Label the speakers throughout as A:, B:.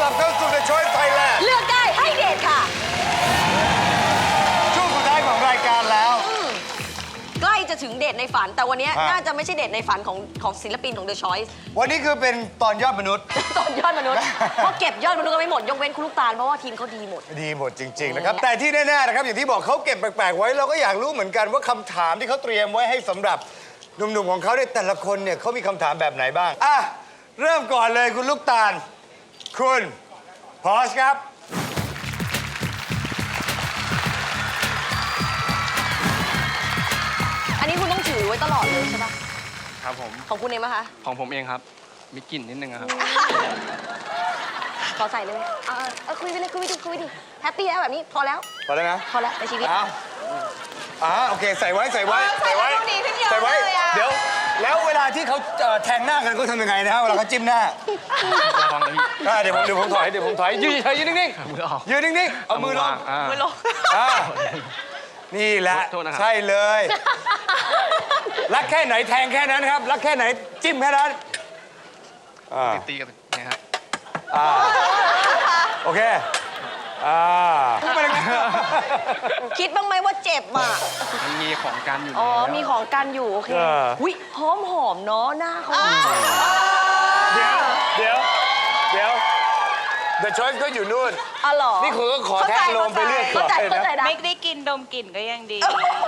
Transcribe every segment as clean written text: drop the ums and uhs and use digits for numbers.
A: ลับเข้าสู่ The Choice Thailand
B: เลือกได้ให้เดทค่ะ
A: ช่วงสุดท้ายของรายการแล้ว
B: ใกล้จะถึงเดทในฝัน แต่วันนี้
A: ฮะ
B: น่าจะไม่ใช่เดทในฝันของศิลปินของ The Choice
A: วันนี้คือเป็นตอนยอดมนุษย์
B: ตอนยอดมนุษย์ เพราะเก็บยอดมนุษย์ก็ไม่หมด ยกเว้นคุณลูกตาล เพราะว่าทีมเขาดีหมด
A: ดีหมดจริง ๆ นะครับ แต่ที่แน่ๆนะครับ อย่างที่บอกเขาเก็บแปลกๆไว้ เราก็อยากรู้เหมือนกันว่าคำถามที่เขาเตรียมไว้ให้สำหรับหนุ่มๆของเขาเนี่ยแต่ละคนเนี่ยเขามีคำถามแบบไหนบ้างอ่ะเริ่มก่อนเลยคุณลูกตาล คุณพอสครับ
B: อันนี้คุณต้องถือไว้ตลอดเลยใช่ปะ
C: ครับผม
B: ของคุณเองปะคะ
C: ของผมเองครับ มีกลิ่นนิดนึงอะครับ
B: ขอใส่เลยไหมคุยไปเลยคุยไปดิคุยไปดิแฮปปี้แล้วแบบนี้พอแล้ว
A: พอแล้วนะ
B: พอแล้วในชีวิต
A: โอเคใส่ไว้ใส่ไว้
D: ใส่ไว้ดูดีขึ้นเยอะ
A: ใส่ไว้
D: เลยอะ
A: เดี๋ยวแล้วเวลาที่เขาแทงหน้ากันก็ทำยังไงนะฮะเวลาเขาจิ้มหน้า
C: ระวังนะพี่
A: เดี๋ยวผมถอยยืนเฉยๆยืนนิ่ง
C: มือออก
A: ๆยืนนิ่งๆเอามือลง
C: มือลง
A: อ่านี่แหละ
C: โทษนะครับ
A: ใช่เลย รักแค่ไหนแทงแค่นั้นครับ รักแค่ไหนจิ้มแค่นั้นอ่า
C: ตีกันเนี่ยครับ
A: โอเคพูดไปเลยนะ
B: คิดบ้างไหมว่าเจ็บอ่ะ
C: มันมีของกันอยู่
B: อ๋อ
C: แล้ว
B: มีของกันอยู่ โอเค อุ้ยหอมเนาะหน้าเขา
A: เดี๋ยว The Choice ก็อยู่นู่น
B: อ๋อเหรอ
A: นี่คุณก็ขอแทงลมไปเรื่อย
B: เข้าใจ
A: นะ
B: นะ
D: ไม่ได้กินดมกลิ่นก็ยังดี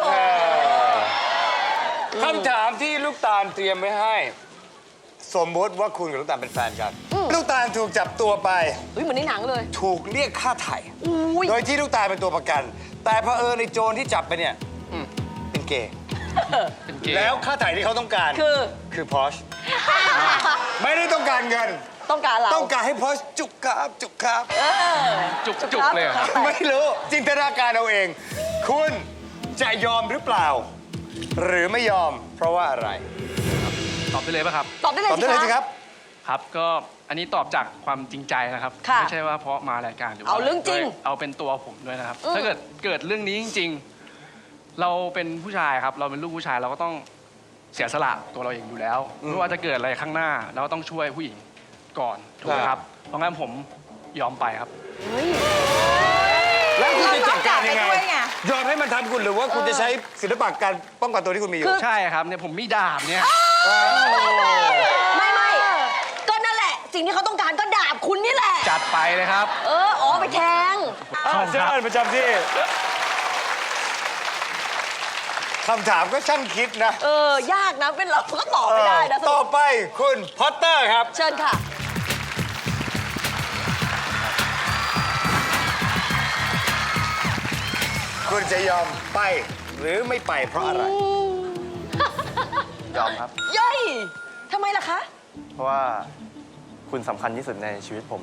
A: คำถามที่ลูกตาลเตรียมไว้ให้ สมมติว่าคุณกับลูกตาลเป็นแฟนกัน ลูกตาลถูกจับตัวไป
B: อุ้ยเหมือนในหนังเลย
A: ถูกเรียกค่าไถ่
B: อุ้ย
A: โดยที่ลูกตาลเป็นตัวประกัน แต่เผอิญในโจรที่จับไปเนี่ยเป็นเกย์
C: เป็นเกย์
A: แล้วค่าไถ่ที่เขาต้องการ คือพอชไม่ได้ต้องการเงิน
B: ต้องการเรา
A: ต้องการให้พอชจุกครับจุกครับ
C: จุกเลยเหรอครับ
A: ไม่รู้จินตนาการเอาเอง คุณจะยอมหรือเปล่า หรือไม่ยอมเพราะว่าอะไร
C: ตอบได้เลยป่ะครับ
B: ตอบได้เลย
A: ตอบได้เลยสิครับ
C: ครับ ก็อันนี้ตอบจากความจริงใจนะครับ
B: ค่ะ
C: ไม่ใช่ว่าเพราะมารายการหรือว่า
B: เอาเรื่องจริง
C: ด้วยเอาเป็นตัวผมด้วยนะครับ ถ้าเกิดเรื่องนี้จริง ๆ เราเป็นผู้ชายครับ เราเป็นลูกผู้ชายเราก็ต้องเสียสละตัวเราเองอยู่แล้วไม่ว่าจะเกิดอะไรข้างหน้าเราก็ต้องช่วยผู้หญิงก่อนถูกไหมครับ เพราะงั้นผมยอมไปครับ
B: เฮ้ย
A: แล้วคุณจะจัดการยังไง
D: ยอมรับกลับไปด้วยไง
A: ยอมให้มันทำคุณหรือว่าคุณจะใช้ศิลปะการป้องกันตัวที่คุณมีอยู่
C: ใช่ครับเนี่ยผมมีดาบเนี่ย
B: ไม่ก็นั่นแหละ สิ่งที่เขาต้องการก็ดาบคุณนี่แหละ
C: จัดไปเลยครับ
B: อ๋อไปแทง
A: เชิญประจำที่คำถามก็ช่างคิดนะ
B: ยากนะ เป็นเราก็ตอบไม่ได้นะส
A: ต่
B: รุ
A: อ
B: ป
A: ไปคุณพอตเตอร์ครับ
B: เชิญค่ะ
A: คุณจะยอมไปหรือไม่ไปเพราะอะไร
E: ยอมครับ
B: เย้ยทำไมล่ะคะ
E: เพราะว่าคุณสำคัญที่สุดในชีวิตผม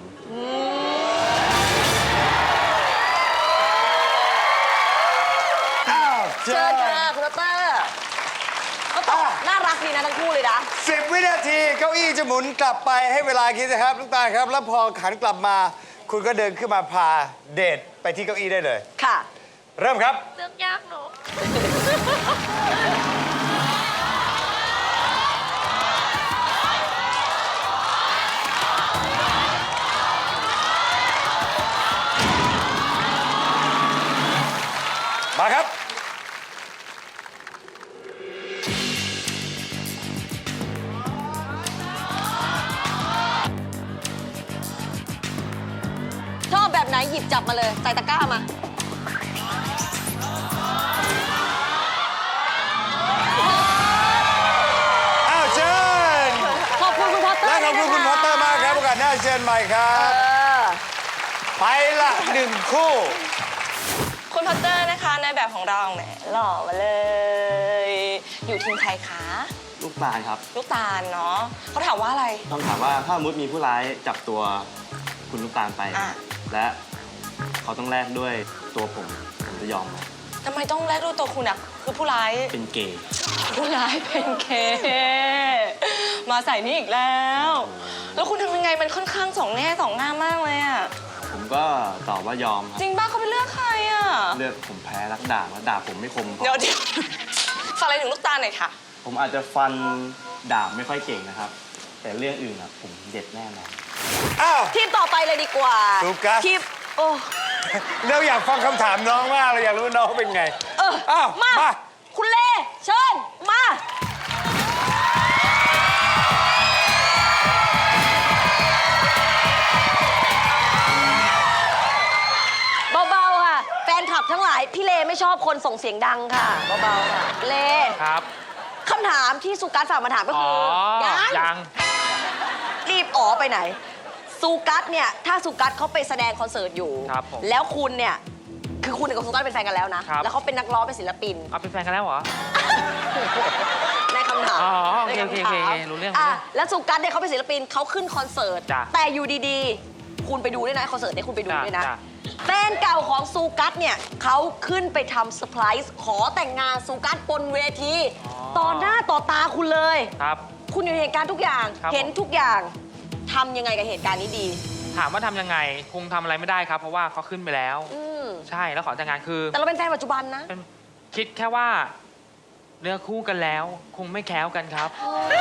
B: เชิญค่ะคุณดรก็ตอบน่ารักดีนะทั้งคู่เลยนะ
A: 10 วินาทีเก้าอี้จะหมุนกลับไปให้เวลาคิดนะครับลูกตาลครับ แล้วพอขันกลับมา คุณก็เดินขึ้นมาพาเดทไปที่เก้าอี้ได้เลย
B: ค่ะ
A: เริ่มครับ
D: เลือกยากหนู
A: มาครับ
B: ชอบแบบไหนหยิบจับมาเลย ใส่ตะกร้ามา
A: อ้าวเชิญ
B: ขอบคุณคุณพอตเตอร์
A: และขอบคุณคุณพอตเตอร์มากครับโอกาสหน้าเชิญใหม่ครับ ไปละ1 คู่
D: คุณพอตเตอร์นะคะในแบบของเราแหมหล่อมาเลย อยู่ทีมใครคะ
E: ลูกตาลครับ
D: ลูกตาลเนาะเขาถามว่าอะไร
E: ต้องถามว่าถ้าสมมติมีผู้ร้ายจับตัวคุณลูกตาลไป
D: อ่ะ
E: และเขาต้องแลกด้วยตัวผมจะยอมไหม
D: ทำไมต้องแลกด้วยตัวคุณอะคือผู้ร้าย
E: เป็นเกย์
D: ผู้ร้ายเป็นเค มาใส่นี่อีกแล้ว แล้วคุณทำยังไงมันค่อนข้างสองแง่สองงามมากเลยอะ
E: ผมก็ตอบว่ายอมครับ
D: จริงป่ะเขาไปเลือกใครอะ
E: เลือกผมแพ้รักดาบแล้วดาบผมไม่คมพอ
D: เดี๋ยวฝากอะไรถึงลูกตาลหน่อยค่ะ
E: ผมอาจจะฟันดาบไม่ค่อยเก่งนะครับ แต่เรื่องอื่นอะผมเด็ดแน่นอน
A: อ้าว
B: ทีมต่อไปเลยดีกว่า
A: สุกัส
B: ทีมโอ้
A: เราอยากฟังคำถามน้องมากเราอยากรู้ว่าน้องเป็นไง อ้าว
B: มา
A: มา
B: คุณเล่เชิญมาเบาๆค่ะ แฟนคลับทั้งหลาย พี่เลไม่ชอบคนส่งเสียงดังค่ะเบาๆค่ะเล
F: ครับ
B: คำถามที่สุกัสฝากมาถามก็
F: อ๋อ
B: คือ
F: ยัง
B: รีบอ๋อไปไหนสุกัสเนี่ยถ้าสุกัสเขาไปแสดงคอนเสิร์ตอยู่
F: ครับผม
B: แล้วคุณเนี่ยคือคุณกับสุกัสเป็นแฟนกันแล้วนะ
F: ครับ
B: แล้วเขาเป็นนักร้องเป็นศิลปิน
F: เอาเป็นแฟนกันแล้วเหรอ
B: ในคำถาม
F: อ๋อโอ
B: ใน
F: เค
B: คำ
F: โอเค
B: ถาม
F: โอเครู้เรื่อง
B: แล้วสุกัสเนี่ยเขาเป็นศิลปินเขาขึ้นคอนเสิร์ต
F: จ้ะ
B: แต่อยู่ดีๆ คุณไปดูด้วยนะคอนเสิร์ตเนี่ยคุณไปดูด้วยนะ
F: จ้ะ
B: แฟนเก่าของสุกัสเนี่ยเขาขึ้นไปทำเซอร์ไพรส์ขอแต่งงานสุกัสบนเวทีต่อหน้าต่อตาคุณเลย
F: ครับ
B: คุณอยู่ในเหตุการณ์ทุกอย่าง
F: ครับ
B: เห็นทุกอย่างทำยังไงกับเหตุการณ์นี้ดี
F: ถามว่าทำยังไง คงทำอะไรไม่ได้ครับ เพราะว่าเขาขึ้นไปแล้ว
B: อืม
F: ใช่ แล้วขอแต่งงานคือ
B: แต่เราเป็นแฟนปัจจุบันนะ
F: เป็นคิดแค่ว่าเนื้อคู่กันแล้ว คงไม่แคล้วกันครับ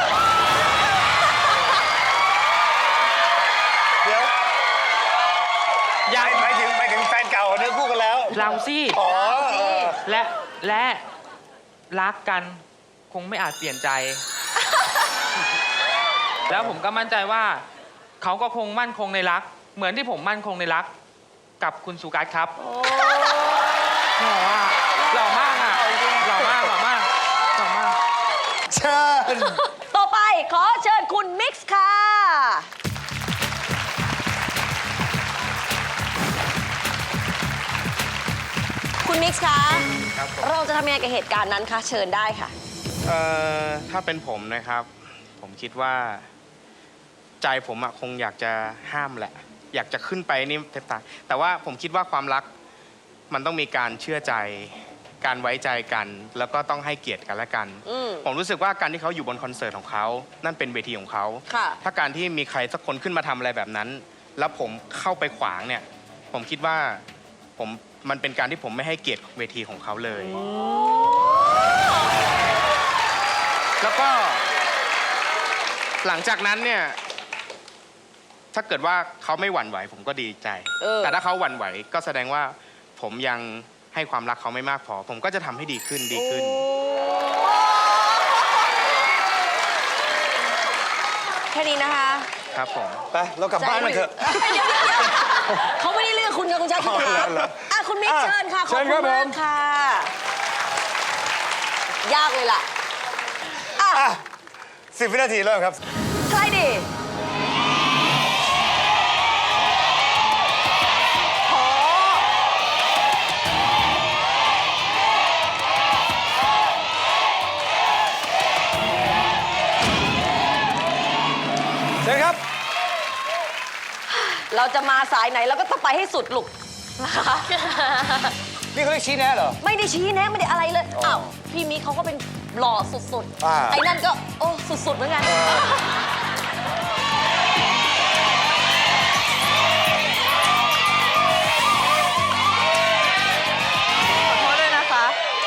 A: เดี๋ยว
F: ยัง
A: หมายถึงแฟนเก่าเนื้อคู่กันแล้ว
F: เราสิ
A: อ๋อ
F: และรักกันคงไม่อาจเปลี่ยนใจ แล้วผมก็มั่นใจว่าเขาก็คงมั่นคงในรัก เหมือนที่ผมมั่นคงในรัก กับคุณสุกัสครับหล่อมากอ่ะหล่อมากหล่อมากหล่อมาก
A: เชิญ
B: ต่อไปขอเชิญคุณมิกซ์ค่ะ คุณมิกซ์คะ
G: ครับผม
B: เราจะทำยังไงกับเหตุการณ์นั้นคะ เชิญได้ค่ะ
G: ถ้าเป็นผมนะครับ ผมคิดว่าใจผมอะคงอยากจะห้ามแหละ อยากจะขึ้นไปนี่แทบตายแต่ว่าผมคิดว่าความรักมันต้องมีการเชื่อใจ การไว้ใจกัน แล้วก็ต้องให้เกียรติกันและกัน
B: อืม
G: ผมรู้สึกว่าการที่เขาอยู่บนคอนเสิร์ตของเขานั่นเป็นเวทีของเขา
B: ค่ะ
G: ถ้าการที่มีใครสักคนขึ้นมาทำอะไรแบบนั้น แล้วผมเข้าไปขวางเนี่ย ผมคิดว่ามันเป็นการที่ผมไม่ให้เกียรติเวทีของเขาเลย แล้วก็หลังจากนั้นเนี่ย ถ้าเกิดว่าเขาไม่หวั่นไหว ผมก็ดีใจ แต่ถ้าเขาหวั่นไหวก็แสดงว่าผมยังให้ความรักเขาไม่มากพอ ผมก็จะทำให้ดีขึ้นดีขึ้น
B: แค่นี้นะคะ
G: ครับผม
A: ไป เรากลับบ้านกันเถอะ
B: เขาไม่ได้เลือกคุณกับคุณชายคุณ
A: อ๋อ
B: ถาม
A: เหรอ
B: อ่ะคุณมิกซ์เชิญค่ะ ข
A: เชิ
B: อบ
A: ญ
B: คุ
A: ครั
B: ณ
A: บผม
B: มากค่ะ ยากเลยล่ะ อ่ะ
A: อ่ะ10 วินาทีเริ่มครับ
B: ใครดีโห
A: เชิญครับ
B: เราจะมาสายไหนเราก็ต้องไปให้สุดลูกนะคะ
A: นี่เขาเรียกชี้แนะเหรอ
B: ไม่ได้ชี้แนะไม่ได้อะไรเลย อ้าว พี่มิกเขาก็เป็นหล่อสุด
A: อ่า
B: ๆ ไอ้นั่นก็ โอ้ สุด ๆ เหมือนกัน ขอโทษด้วยนะคะ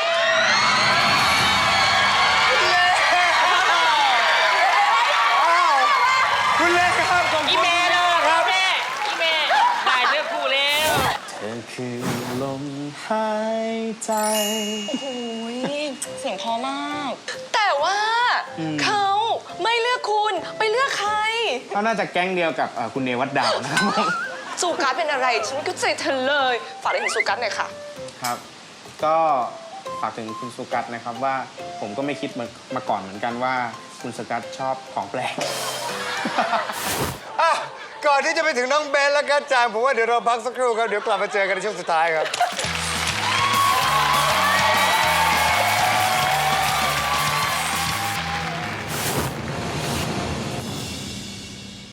A: คุณเล็กครับขอบ
F: อี
A: คุณ
F: เมล
A: มากครับ
F: แม่อีเมลได้เลือกคู่แล้ว
E: เธอคือลมหายใจ
D: โอ้ยเสียงเพอมาก แต่ว่าเขาไม่เลือกคุณไปเลือกใคร
G: เขาน่าจะแก๊งเดียวกับคุณเนวัดดาวนะครับผม
D: สุกัสเป็นอะไร ฉันก็ใจเธอเลย ฝากอะไรถึงสุกัสหน่อยค่ะ
G: ครับ ก็ฝากถึงคุณสุกัสนะครับว่าผมก็ไม่คิดมาก่อนเหมือนกันว่าคุณสุกัสชอบของแปลก
A: อ่ะ ก่อนที่จะไปถึงน้องเบนและกัจจางผมว่าเดี๋ยวเราพักสักครู่ครับ เดี๋ยวกลับมาเจอกันในช่วงสุดท้ายครับ